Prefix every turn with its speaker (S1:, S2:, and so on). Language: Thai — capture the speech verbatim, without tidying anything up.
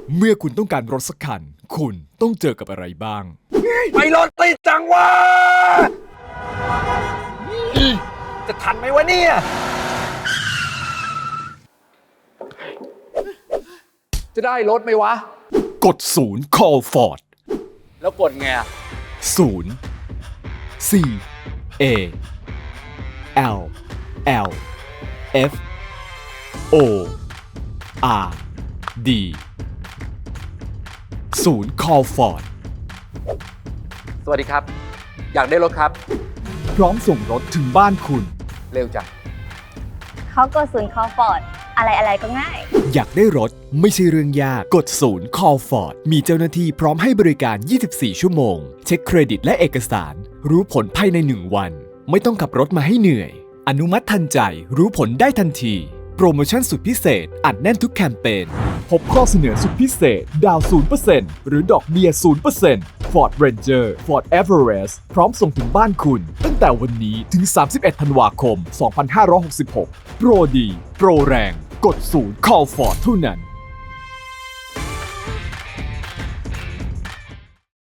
S1: เมื่อคุณต้องการรถสักคันคุณต้องเจอกับอะไรบ้าง
S2: ไม่รถติดจังวะจะทันไหมวะเนี่ยจะได้รถไหมวะ
S1: กดศูนย์ call Ford
S2: แล้วกดไงอะ
S1: ศูนย์ C A L L F O R D ศูนย์ call Ford
S2: สวัสดีครับอยากได้รถครับ
S1: พร้อมส่งรถถึงบ้านคุณ
S2: เร็วจัง
S3: เขากดศูนย์ call Ford อะไรอะไรก็ง่าย
S1: อยากได้รถไม่ใช่เรื่องยากกดศูนย์ call Ford มีเจ้าหน้าที่พร้อมให้บริการ ยี่สิบสี่ ชั่วโมงเช็คเครดิตและเอกสารรู้ผลภายในหนึ่งวันไม่ต้องขับรถมาให้เหนื่อยอนุมัติทันใจรู้ผลได้ทันทีโปรโมชั่นสุดพิเศษอัดแน่นทุกแคมเปญพบข้อเสนอสุดพิเศษดาว ศูนย์เปอร์เซ็นต์ หรือดอกเบี้ย ศูนย์เปอร์เซ็นต์ Ford Ranger Ford Everest พร้อมส่งถึงบ้านคุณตั้งแต่วันนี้ถึง สามสิบเอ็ด ธันวาคม สองพันห้าร้อยหกสิบหก โปรดี โปรแรง กดศูนย์ call Ford เท่านั้น